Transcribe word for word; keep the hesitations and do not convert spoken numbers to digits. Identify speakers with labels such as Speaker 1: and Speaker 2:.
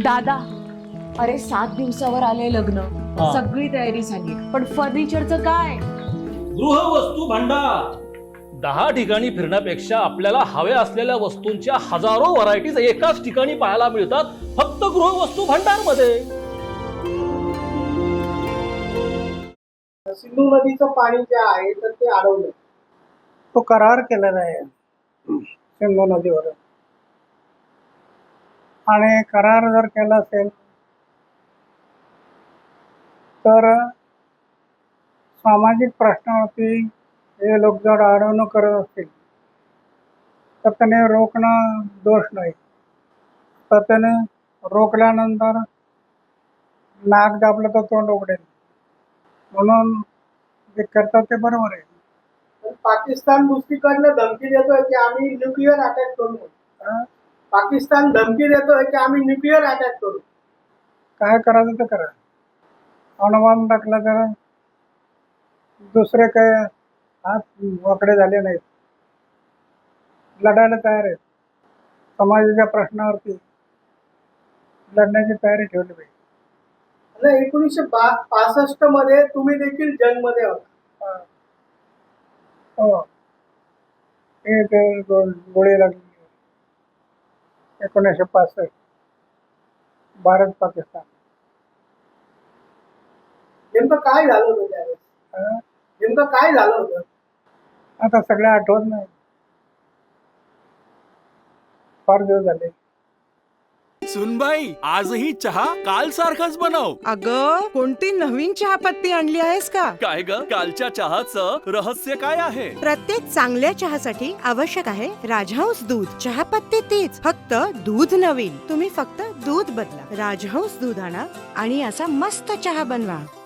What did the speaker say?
Speaker 1: दादा, अरे सात दिवसावर आले लग्न,
Speaker 2: हा.
Speaker 1: सगळी तयारी झाली, पण फर्निचरचं काय?
Speaker 2: गृहवस्तू भांडार. दहा ठिकाणी फिरण्यापेक्षा आपल्याला हव्या असलेल्या वस्तूंच्या हजारो व्हरायटीज एकाच ठिकाणी पाहायला मिळतात, फक्त गृहवस्तू भांडार मध्ये.
Speaker 3: सिंधू नदीचं पाणी जे आहे तर ते अडवलं, तो करार केलेला आहे सिंधू नदीवर. आणि करार जर केला असेल तर सामाजिक प्रश्नावरती हे लोक जर अडवणूक करत असतील तर त्याने रोखणं दोष नाही. तर त्याने रोखल्यानंतर नाक दाबलं तर तोंड उघडेल, म्हणून जे करतात ते बरोबर आहे. पाकिस्तान दुसरीकडनं धमकी देतोय की आम्ही न्यूक्लिअर अटॅक करू. पाकिस्तान धमकी देतोय की आम्ही न्यूक्लिअर अटॅक करू. काय करायचं ते करा. अणुबॉम्ब टाकला तर दुसरे काय हात वाकडे झाले नाहीत, लढायला तयार आहेत. समाजाच्या प्रश्नावरती लढण्याची तयारी ठेवली पाहिजे. एकोणीसशे पासष्ट मध्ये तुम्ही देखील जंगमध्ये होता. हो, हे ते गोळी लागली एकोणीसशे पासष्ट भारत पाकिस्तान. नेमकं काय झालं होतं त्यावेळेस? नेमकं काय झालं होतं आता सगळं आठवत नाही, फार दिवस झाले.
Speaker 4: सुनबाई, आजही चहा काल सारखाच बनव.
Speaker 5: अगं, कोणती नवीन चहापत्ती आणली आहेस का?
Speaker 4: काय ग, कालच्या चहाचं रहस्य काय आहे?
Speaker 5: प्रत्येक चांगल्या चहासाठी आवश्यक आहे राजहंस दूध. चहापत्ती तीच, फक्त दूध नवीन. तुम्ही फक्त दूध बदला. राजहंस दूध आणा आणि असा मस्त चहा बनवा.